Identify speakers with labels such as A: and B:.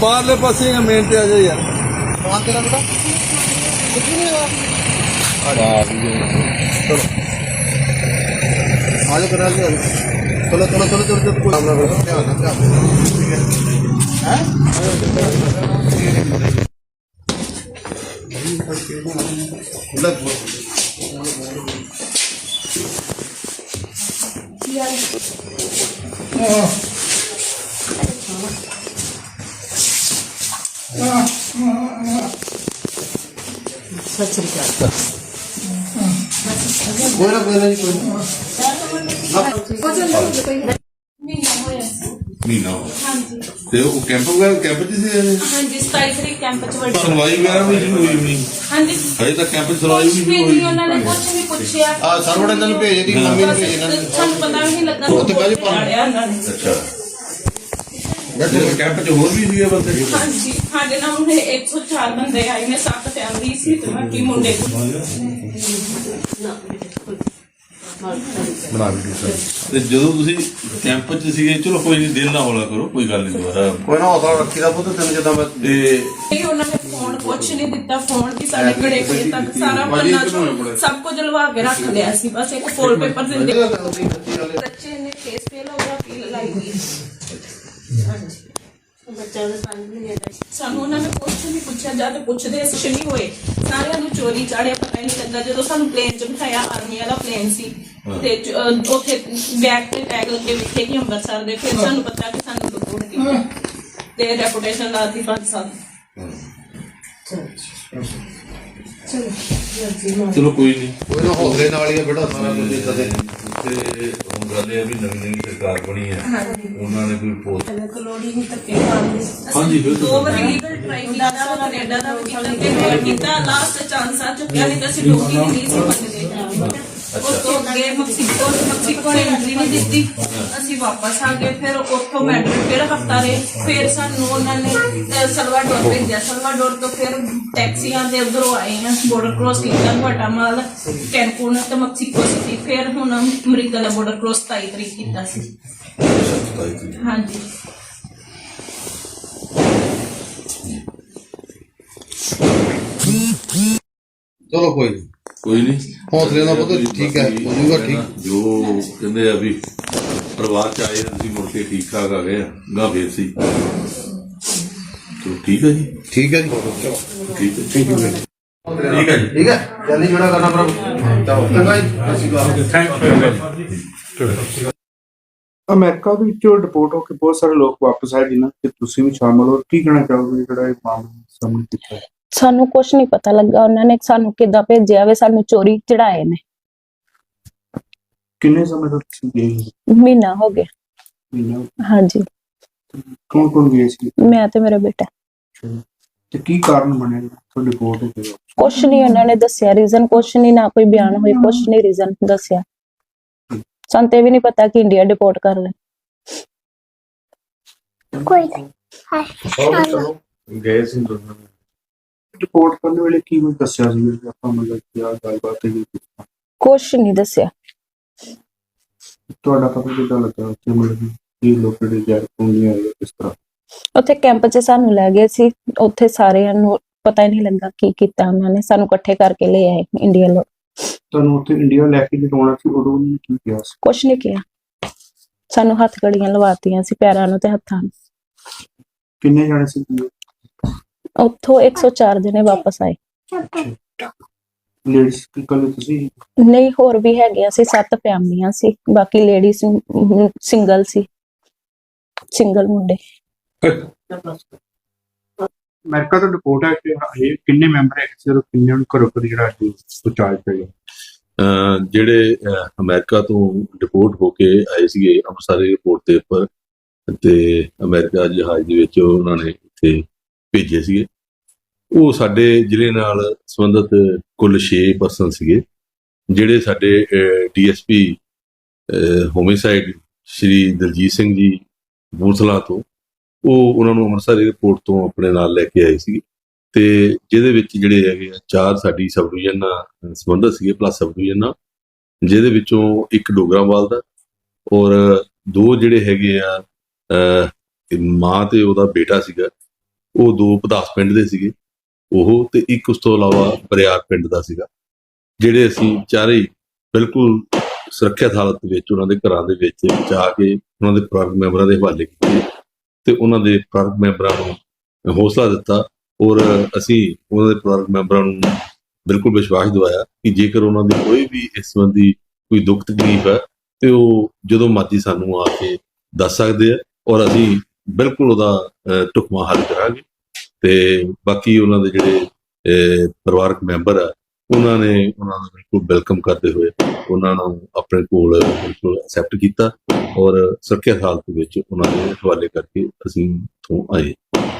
A: बाहरले पासे मेन पे आ जाओ यार।
B: कौन तेरा बेटा कुछ भी नहीं हुआ। चलो आज करा लिया। चलो चलो चलो चलो चलो ध्यान ध्यान ठीक है हैं कोई ना जी कोई
C: ਮਹੀਨਾ ਤੇ ਉਹ ਕੈਂਪ ਵਗੈਰਾ ਕੈਂਪ ਚ ਸੀ
D: ਹਾਂਜੀ 27 ਤਰੀਕ ਕੈਂਪ ਚ ਵੱਡੀ
C: ਸੁਣਵਾਈ ਵਗੈਰਾ ਵੀ ਸ਼ੁਰੂ ਹੋਈ ਨਹੀਂ
D: ਹਾਂਜੀ
C: ਹਜੇ ਤੱਕ ਕੈਂਪ ਚ ਸੁਣਵਾਈ ਵੀ
D: ਕੁਛ
C: ਨਹੀਂ
D: ਵੀ
C: ਹੋਈ
D: ਨਹੀਂ ਉਹਨਾਂ ਨੇ ਕੁਝ ਨਹੀਂ ਪੁੱਛਿਆ
B: ਸਰਵਣ ਇਹਨਾਂ ਨੂੰ ਭੇਜ ਦੀ ਮੰਮੀ ਨੂੰ ਭੇਜ ਇਹਨਾਂ ਨੇ
D: ਸਾਨੂੰ ਪਤਾ ਵੀ ਨਹੀਂ ਲੱਗਾ
B: ਉੱਥੇ ਬਾਅਦ ਚ
D: ਪੜਿਆ ਉਹਨਾਂ ਨੇ
C: ਅੱਛਾ ਕੈਂਪ ਚ ਹੋਰ ਵੀ ਸੀਗੇ ਬੰਦੇ
D: ਹਾਂਜੀ ਸਾਡੇ ਨਾਲ ਉਹਨੇ 104 ਬੰਦੇ ਆਏ ਨੇ 7 ਫੈਮਿਲੀ ਸੀ ਤੇ ਬਾਕੀ ਮੁੰਡੇ
C: ਬਣਾ ਵੀ ਤੇ ਜਦੋਂ ਤੁਸੀਂ ਕੈਂਪ ਚ ਸੀਗੇ ਚਲੋ ਕੋਈ ਨਹੀਂ ਦਿਲ ਨਾ ਹੌਲਾ ਕਰੋ ਕੋਈ ਗੱਲ ਨਹੀਂ ਦੁਬਾਰਾ
B: ਕੋਈ ਨਾ ਹੌਸਲਾ ਰੱਖੀ ਦਾ ਪੁੱਤ ਤੈਨੂੰ ਜਦੋਂ ਮੈਂ
C: ਤੇ
D: ਇਹ ਉਹਨਾਂ ਨੇ ਫੋਨ ਕੁਛ ਨਹੀਂ ਦਿੱਤਾ ਫੋਨ ਵੀ ਸਾਡੇ ਘੜੇ ਕੋਲੇ ਤੱਕ ਸਾਰਾ ਪੰਨਾ ਸਭ ਕੁਝ ਲਵਾ ਕੇ ਰੱਖ ਲਿਆ ਸੀ ਬਸ ਇੱਕ ਫੋਲ ਪੇਪਰ ਦਿੰਦੇ ਬੱਚੇ ਨੇ ਫੇਸ ਪੇ ਲਾਉਣਾ ਪੀਲ ਲਾਈ ਦੀ ਹਾਂਜੀ ਬੱਚਾ ਦਾ ਸਾਨੂੰ ਉਹਨਾਂ ਨੇ ਕੁਛ ਨਹੀਂ ਪੁੱਛਿਆ ਜਦ ਪੁੱਛਦੇ ਅਸੀਂ ਨਹੀਂ ਹੋਏ ਸਾਰਿਆਂ ਨੂੰ ਚੋਰੀ ਚਾੜਿਆ ਪਤਾ ਹੀ ਨਹੀਂ ਲੱਗਾ ਜਦੋਂ ਸਾਨੂੰ ਪਲੇਨ ਚ ਬਿਠਾਇਆ ਆਰਮੀ ਵਾਲਾ ਪਲੇਨ ਸੀ ਤੇ ਉੱਥੇ ਬੈਗ ਤੇ ਟੈਗ ਲੱਗੇ ਲਿਖੇ ਕਿ ਅੰਮ੍ਰਿਤਸਰ ਦੇ ਫਿਰ ਸਾਨੂੰ ਪਤਾ ਕਿ ਸਾਨੂੰ ਰਿਪੋਰਟ ਕੀਤੀ ਤੇ ਰੈਪੂਟੇਸ਼ਨ ਲਾਤੀ 5 ਸਾਲ
C: ਚਲੋ ਕੋਈ ਨਹੀਂ
B: ਕੋਈ ਨਾ ਹੌਸਲੇ ਨਾਲ ਹੀ ਆ ਬੇਟਾ ਸਾਰਾ ਕੁਝ ਇਦਾਂ ਦੇ
C: ਤੇ ਹੁਣ ਗੱਲ ਇਹ ਆ ਵੀ ਨਵੀਂ ਸਰਕਾਰ ਬਣੀ ਹੈ ਉਹਨਾਂ ਨੇ ਕੋਈ ਪੋਸਟ
D: ਕਲੋੜੀ ਨਹੀਂ ਧੱਕੇ ਮਾਰਦੇ
C: ਹਾਂਜੀ ਬਿਲਕੁਲ
D: 2 ਵਾਰ ਲੀਗਲ ਟਰਾਈ ਕੀਤਾ ਕੈਨੇਡਾ ਦਾ ਵੀ ਕੀਤਾ ਲਾਸਟ ਚਾਂਸ ਆ ਚੁੱਕਿਆ ਨਹੀਂ ਤਾਂ ਅਸੀਂ ਡੋਗੀ ਨਹੀਂ ਸੀ ਮੰਗਦੇ ਉਸ ਤੋਂ ਅੱਗੇ ਮੈਕਸੀਕੋ ਨੇ ਐਂਟਰੀ ਨਹੀਂ ਦਿੱਤੀ ਅਸੀਂ ਵਾਪਸ ਆ ਗਏ ਫਿਰ ਉੱਥੋਂ ਮੈਡਰਿਡ ਫਿਰ ਹਫਤਾ ਰਹੇ ਫਿਰ ਸਾਨੂੰ ਉਹਨਾਂ ਨੇ ਸਲਵਾਡੋਰ ਭੇਜਿਆ ਸਲਵਾਡੋਰ ਤੋਂ ਫਿਰ ਟੈਕਸੀਆਂ ਦੇ ਉਧਰੋਂ ਆਏ ਆ ਬਾਰਡਰ ਕ੍ਰੋਸ ਕੀਤਾ ਗੁਆਟਾਮਾਲਾ ਕੈਨਕੂਨ ਤੇ ਮੈਕਸੀਕੋ ਸਿਟੀ ਫਿਰ ਹੁਣ ਅਮਰੀਕਾ ਦਾ ਬਾਰਡਰ ਕ੍ਰੋਸ 27 ਤਰੀਕ ਕੀਤਾ ਸੀ ਹਾਂਜੀ
B: ਚਲੋ ਕੋਈ ਨਹੀਂ
C: ਕੋਈ ਨਹੀਂ
B: ਹੌਸਲੇ ਨਾਲ ਪੁੱਤ ਠੀਕ ਹੈ ਹੋ ਜਾਊਗਾ ਠੀਕ
C: ਜੋ ਕਹਿੰਦੇ ਆ ਵੀ ਪਰਿਵਾਰ ਚ ਆਏ ਅਸੀਂ ਮੁੜ ਕੇ ਠੀਕ ਠਾਕ ਆ ਗਏ ਗਾ ਫੇਰ ਸੀ ਚਲੋ ਠੀਕ ਹੈ ਜੀ
B: ਠੀਕ ਹੈ ਜੀ ਚਲੋ
C: ਠੀਕ ਹੈ
B: ਠੀਕ ਹੈ
C: ਠੀਕ ਹੈ ਜੀ
B: ਠੀਕ ਹੈ ਜਲਦੀ ਜੁੜਾ ਕਰਨਾ ਪ੍ਰਭੂ ਚਲੋ ਚੰਗਾ ਜੀ ਅਸੀਂ
E: ਅਮਰੀਕਾ ਦੇ ਵਿੱਚੋਂ ਡਿਪੋਰਟ ਹੋ ਕੇ ਬਹੁਤ ਸਾਰੇ ਲੋਕ ਵਾਪਸ ਆਏ ਜਿਨ੍ਹਾਂ ਤੇ ਤੁਸੀਂ ਵੀ ਸ਼ਾਮਲ ਹੋ ਕੀ ਕਹਿਣਾ ਚਾਹੋਗੇ ਜਿਹੜਾ ਇਹ ਮਾਮਲਾ ਸਾਹਮਣੇ ਕੀਤਾ ਹੈ?
F: ਸਾਨੂੰ ਕੁਛ ਨਹੀਂ ਪਤਾ ਲੱਗਾ ਉਹਨਾਂ ਨੇ ਸਾਨੂੰ ਕਿੱਦਾਂ ਭੇਜਿਆ ਵੇ ਸਾਨੂੰ ਚੋਰੀ ਚੜਾਏ ਨੇ
E: ਕਿੰਨੇ ਸਮੇਂ ਤੋਂ ਤੁਸੀਂ ਗਏ
F: ਮਹੀਨਾ ਹੋ ਗਿਆ
E: ਮਹੀਨਾ
F: ਹਾਂਜੀ
E: ਕੌਣ ਕੌਣ ਗਏ ਸੀ
F: ਮੈਂ ਤੇ ਮੇਰਾ ਬੇਟਾ
E: ਤੇ ਕੀ ਕਾਰਨ ਬਣਿਆ ਤੁਹਾਡੇ ਰਿਪੋਰਟ ਹੋ ਕੇ
F: ਕੁਛ ਨਹੀਂ ਉਹਨਾਂ ਨੇ ਦੱਸਿਆ ਰੀਜ਼ਨ ਕੁਛ ਨਹੀਂ ਨਾ ਕੋਈ ਬਿਆਨ ਹੋਈ ਕੁਛ ਨਹੀਂ ਰੀਜ਼ਨ ਦੱਸਿਆ ਸਾਨੂੰ ਤੇ ਵੀ ਨਹੀਂ ਪਤਾ ਕਿ ਇੰਡੀਆ ਡਿਪੋਰਟ ਕਰ ਲੈ
E: ਕੋਈ ਗਏ ਸੀ ਰਿਪੋਰਟ ਕਰਨ ਵੇਲੇ ਕੀ ਕੁਝ ਦੱਸਿਆ ਸੀ ਵੀ ਆਪਾਂ ਮਤਲਬ ਕੀ ਆ ਗੱਲਬਾਤ ਹੈ
F: ਕੁਛ ਨਹੀਂ ਦੱਸਿਆ
E: ਤੁਹਾਡਾ ਪਤਾ ਕਿੱਦਾਂ ਲੱਗਾ ਉੱਥੇ ਮਤਲਬ ਕੀ ਲੋਕ ਦੇ ਜਾਰ ਪੁੰਡੀਆਂ ਜਾਂ ਕਿਸ ਤਰ੍ਹਾਂ
F: ਉੱਥੇ ਕੈਂਪ 'ਚ ਸਾਨੂੰ ਲੈ ਗਏ ਸੀ ਉੱਥੇ ਸਾਰਿਆਂ ਨੂੰ ਪਤਾ ਹੀ ਨਹੀਂ ਲੱਗਾ ਕੀ ਕੀਤਾ ਉਹਨਾਂ ਨੇ ਸਾਨੂੰ ਇਕੱਠੇ ਕਰਕੇ ਲੈ ਆਏ ਇੰਡੀਆ ਲੋਕ
E: ਤੁਹਾਨੂੰ ਉੱਥੇ ਇੰਡੀਆ ਲੈ ਕੇ ਜਾਣਾ ਸੀ ਉਦੋਂ ਉਹਨੇ ਕੀ ਕਿਹਾ ਸੀ
F: ਕੁਛ ਨਹੀਂ ਕਿਹਾ ਸਾਨੂੰ ਹੱਥ ਘੜੀਆਂ ਲਵਾਤੀਆਂ ਸੀ ਪੈਰਾਂ ਨੂੰ ਤੇ ਹੱਥਾਂ ਨੂੰ
E: ਕਿੰਨੇ ਜਾਣੇ ਸੀ
F: ਉੱਥੋਂ 104 ਜਣੇ ਵਾਪਸ ਆਏ
E: ਲੇਡੀਜ਼ ਕੱਲੇ ਤੁਸੀਂ
F: ਨਹੀਂ ਹੋਰ ਵੀ ਹੈਗੇ ਅਸੀਂ 7 ਫੈਮਲੀਆਂ ਸੀ ਬਾਕੀ ਲੇਡੀਜ਼ ਸਿੰਗਲ ਸੀ ਸਿੰਗਲ ਮੁੰਡੇ
E: ਅਮਰੀਕਾ ਤੋਂ ਰਿਪੋਰਟ ਹੈ ਕਿ ਇਹ ਕਿੰਨੇ ਮੈਂਬਰ ਹੈ ਸਿਰ ਕਿੰਨੇ ਨੂੰ ਘਰੋਂ ਘਰ ਜਿਹੜਾ ਪਹੁੰਚਾਇਆ ਪਿਆ
C: ਜਿਹੜੇ ਅਮਰੀਕਾ ਤੋਂ ਡਿਪੋਰਟ ਹੋ ਕੇ ਆਏ ਸੀਗੇ ਅੰਮ੍ਰਿਤਸਰ ਏਅਰਪੋਰਟ ਦੇ ਉੱਪਰ ਤੇ ਅਮਰੀਕਾ ਜਹਾਜ਼ ਦੇ ਵਿੱਚ ਉਹਨਾਂ ਨੇ ਇੱਥੇ ਭੇਜੇ ਸੀਗੇ ਉਹ ਸਾਡੇ ਜ਼ਿਲ੍ਹੇ ਨਾਲ ਸੰਬੰਧਿਤ ਕੁੱਲ 6 ਪਰਸਨ ਸੀਗੇ ਜਿਹੜੇ ਸਾਡੇ ਡੀਐਸਪੀ ਹੋਮਿਸਾਈਡ ਸ਼੍ਰੀ ਦਲਜੀਤ ਸਿੰਘ ਜੀ ਬੂਥਲਾ ਤੋਂ ਉਹ ਉਹਨਾਂ ਨੂੰ ਅੰਮ੍ਰਿਤਸਰ ਏਅਰਪੋਰਟ ਤੋਂ ਆਪਣੇ ਨਾਲ ਲੈ ਕੇ ਆਏ ਸੀ ਤੇ ਜਿਹਦੇ ਵਿੱਚ ਜਿਹੜੇ ਹੈਗੇ ਆ 4 ਸਾਡੀ ਸਬ ਡਿਵੀਜ਼ਨ ਨਾਲ ਸੰਬੰਧਿਤ ਸੀਗੇ ਪਲੱਸ ਸਬ ਡਿਵੀਜ਼ਨ ਨਾਲ ਜਿਹਦੇ ਵਿੱਚੋਂ ਇੱਕ ਡੋਗਰਾਵਾਲ ਦਾ ਔਰ 2 ਜਿਹੜੇ ਹੈਗੇ ਆ ਮਾਂ ਤੇ ਉਹਦਾ ਬੇਟਾ ਸੀਗਾ ਉਹ 2 ਪਦਾਸ ਪਿੰਡ ਦੇ ਸੀਗੇ ਉਹ, ਤੇ ਇੱਕ ਉਸ ਤੋਂ ਇਲਾਵਾ ਬਰਿਆਰ ਪਿੰਡ ਦਾ ਸੀਗਾ, ਜਿਹੜੇ ਅਸੀਂ ਚਾਰੇ ਹੀ ਬਿਲਕੁਲ ਸੁਰੱਖਿਅਤ ਹਾਲਤ ਵਿੱਚ ਉਹਨਾਂ ਦੇ ਘਰਾਂ ਦੇ ਵਿੱਚ ਜਾ ਕੇ ਉਹਨਾਂ ਦੇ ਪਰਿਵਾਰਕ ਮੈਂਬਰਾਂ ਦੇ ਹਵਾਲੇ ਕੀਤੇ ਤੇ ਉਹਨਾਂ ਦੇ ਪਰਿਵਾਰਕ ਮੈਂਬਰਾਂ ਨੂੰ ਹੌਸਲਾ ਦਿੱਤਾ। ਔਰ ਅਸੀਂ ਉਹਨਾਂ ਦੇ ਪਰਿਵਾਰਕ ਮੈਂਬਰਾਂ ਨੂੰ ਬਿਲਕੁਲ ਵਿਸ਼ਵਾਸ ਦਿਵਾਇਆ ਕਿ ਜੇਕਰ ਉਹਨਾਂ ਦੀ ਕੋਈ ਵੀ ਇਸ ਸੰਬੰਧੀ ਕੋਈ ਦੁੱਖ ਤਕਲੀਫ ਹੈ ਤੇ ਉਹ ਜਦੋਂ ਮਰਜ਼ੀ ਸਾਨੂੰ ਆ ਕੇ ਦੱਸ ਸਕਦੇ ਆ, ਔਰ ਅਸੀਂ ਬਿਲਕੁਲ ਉਹਦਾ ਢੁਕਵਾਂ ਹੱਲ ਕਰਾਂਗੇ। ਤੇ ਬਾਕੀ ਉਹਨਾਂ ਦੇ ਜਿਹੜੇ ਪਰਿਵਾਰਕ ਮੈਂਬਰ ਆ ਉਹਨਾਂ ਨੇ ਉਹਨਾਂ ਨੂੰ ਬਿਲਕੁਲ ਵੈਲਕਮ ਕਰਦੇ ਹੋਏ ਉਹਨਾਂ ਨੂੰ ਆਪਣੇ ਕੋਲ ਬਿਲਕੁਲ ਐਕਸੈਪਟ ਕੀਤਾ ਔਰ ਸੁਰੱਖਿਅਤ ਹਾਲਤ ਵਿੱਚ ਉਹਨਾਂ ਦੇ ਹਵਾਲੇ ਕਰਕੇ ਅਸੀਂ ਇੱਥੋਂ ਆਏ।